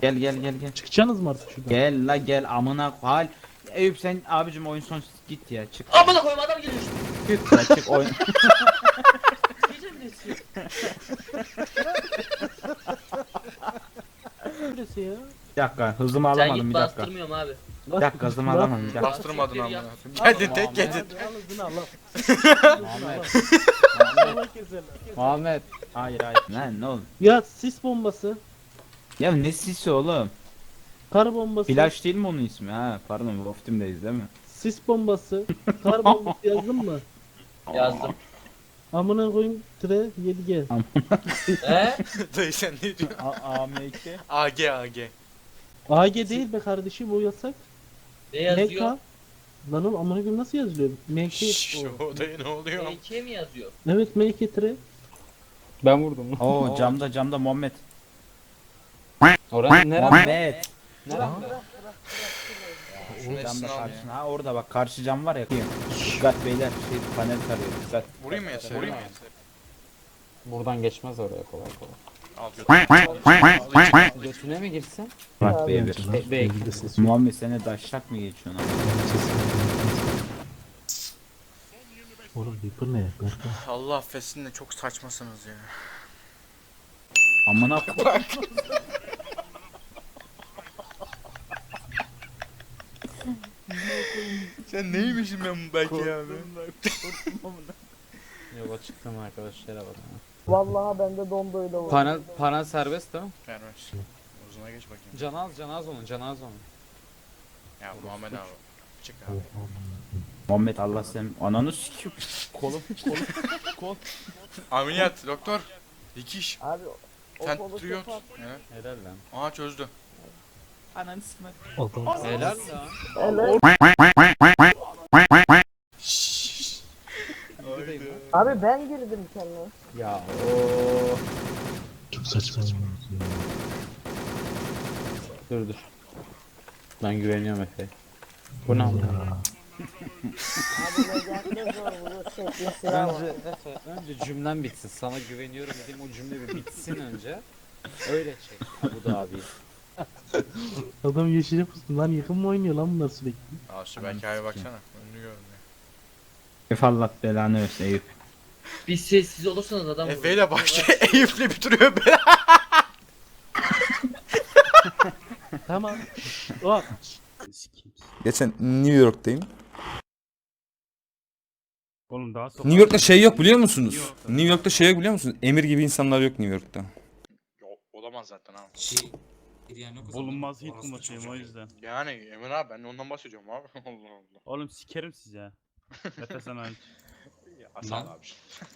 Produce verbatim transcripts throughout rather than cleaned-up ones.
Gel gel gel gel. Çıkacaksınız mı artık şuradan? Gel la gel amına hal. Eyüp sen abicim oyun son git ya çık. Amına koyayım adam geliyor işte. Çık ya çık oyun. Gece mi esiyor? Neresi ya? Bir dakika hızımı Sen alamadım git bir dakika. bastırmıyorum abi. Bir dakika hızımı alamadım bir dakika. Bastırmadın Bastır, amına. ya. Geldin tek geldin. Al hızını al al. Muhammed. Allah keser. Muhammed. Hayır hayır. Lan ne oldu? Ya sis bombası. Ya ne sisi oğlum? Kar bombası. Flash değil mi onun ismi ha? Pardon Wolf Team'deyiz değil mi? Sis bombası. Kar bombası yazdın mı? Yazdım. Amına koyayım tire yedi G. He? Dayı sen ne diyorsun? A M K. A G A G. A G değil be kardeşim o yasak. Ne M K. yazıyor? Lan oğlum amına koyayım nasıl yazılıyor? M K. Şşş o dayı ne oluyor? M K mi yazıyor? Evet M K tire. Ben vurdum. Oo camda camda Muhammed. Oranın nere? Muhammed. Şunun Camda hepsini al ya. karşına. Ha orada bak karşı cam var ya. Dikkat beyler şey panel tarıyor. Dikkat. Vurayım mı Yeter? Vurayım mı Yeter? Buradan geçmez oraya kolay kolay. Al götür. Götüne mi girsin? Bak B bir. Be be Muhammed seni daşlak mı geçiyorsun abi? Oğlum Reaper ne? Berkan. Allah affetsin de çok saçmasınız ya. Amına koyayım. Sen neymişsin ben belki abi? yola çıktım arkadaşlara bak. Vallahi bende dondu öyle oldu. Panel panel serbest değil mi? Ver ver. Uzuna geç bakayım. Canaz canaz onun canaz onun. Ya Muhammed abi. Çık abi. Muhammed Allah sen ananı sikiyor. Kolum kolum kol. Ameliyat doktor. Dikiş. Abi o Sen kolu triyot. kapat. Evet. Helal lan. Aha çözdü. Ananı sikme. Helal lan. Evet. Şşş. Abi ben girdim kendime. Ya o. Çok saçma. Dur dur. Ben güveniyorum Efe'ye. Bu ne oldu? Abi ne zor bu şeklin silahı var. Önce Efe, önce cümlem bitsin. Sana güveniyorum dediğim o cümle bir bitsin önce. Öyle çek. Bu da abi. Adam yeşile pustu lan yakın mı oynuyor lan bunlar sürekli? Al şu belki abi baksana. Önünü görmüyor. Ef Allah belanı versin Eyüp. Bir sessiz olursanız adam Efe ile başlıyor. Eyüp'le bitiriyor beni. Tamam. O. Geçen New York'tayım. Oğlum daha New York'ta şey yok biliyor musunuz? New York'ta şey yok biliyor musunuz? Emir gibi insanlar yok New York'ta. Yok olamaz zaten abi. Bulunmaz hit bulmasıyım o yüzden. Yani Emin abi ben de ondan bahsediyorum abi. Allah Allah. Oğlum sikerim size. Mete sen hariç. Ya, Hasan abi.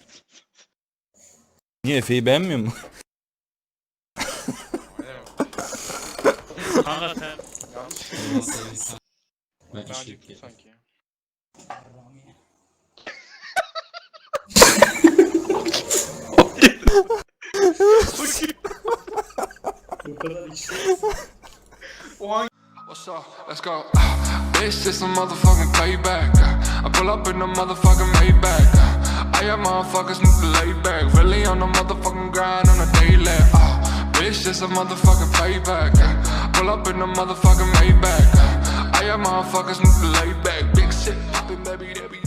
Niye Efe'yi beğenmiyor mu? Ne demek? Kanka sen. Yanlış. Ben acıktım sanki ya. What's up? Let's go. This is some motherfucking payback. I pull up in the motherfucking Maybach. I got motherfuckers need to lay back. Really on the motherfucking grind on a daily. Uh, bitch, this a motherfucking payback. Pull up in the motherfucking Maybach. I got motherfuckers need to lay back. Big shit poppin', baby, they be